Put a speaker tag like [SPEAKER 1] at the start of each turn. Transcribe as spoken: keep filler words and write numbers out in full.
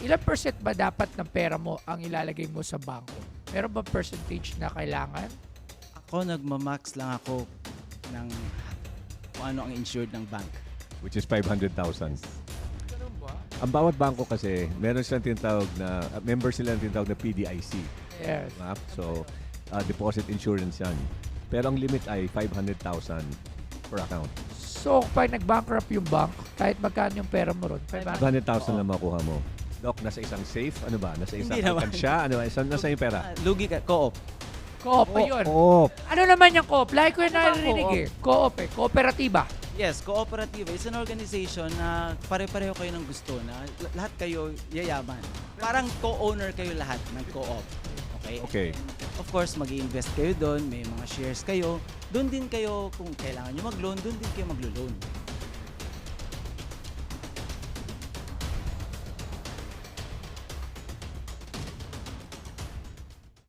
[SPEAKER 1] ilang percent ba dapat ng pera mo ang ilalagay mo sa bangko? Meron ba percentage na kailangan?
[SPEAKER 2] Ako, nagmamax lang ako ng kung ano ang insured ng bank.
[SPEAKER 3] Which is five hundred thousand.
[SPEAKER 1] Ganun ba?
[SPEAKER 3] Ang bawat bangko kasi, meron silang tinatawag na, uh, member sila ng tinatawag na P D I C.
[SPEAKER 1] Yes.
[SPEAKER 3] Diba? So, uh, deposit insurance yan. Pero ang limit ay five hundred thousand per account.
[SPEAKER 1] So, pag nag-bankrupt yung bank, kahit magkano yung pera mo ron,
[SPEAKER 3] five hundred thousand lang makuha mo. Doc, nasa isang safe? Ano ba? Nasa isang
[SPEAKER 2] Hindi naman.
[SPEAKER 3] alkansya? Ano ba? Isa- Nasa yung pera?
[SPEAKER 2] Ah, lugi ka, co-op.
[SPEAKER 1] Co-op pa yun.
[SPEAKER 3] Oo.
[SPEAKER 1] Ano naman yung co-op? Like ko yung
[SPEAKER 2] Ano ba
[SPEAKER 1] narinig
[SPEAKER 2] co-op?
[SPEAKER 1] eh. Co-op eh. Kooperatiba.
[SPEAKER 2] Yes, cooperative. It's an organization na pare-pareho kayo ng gusto na l- lahat kayo yayaman. Parang co-owner kayo lahat ng co-op. Okay?
[SPEAKER 3] Okay.
[SPEAKER 2] Of course, mag-invest kayo doon, may mga shares kayo. Doon din kayo, kung kailangan nyo mag-loan, doon din kayo maglo-loan.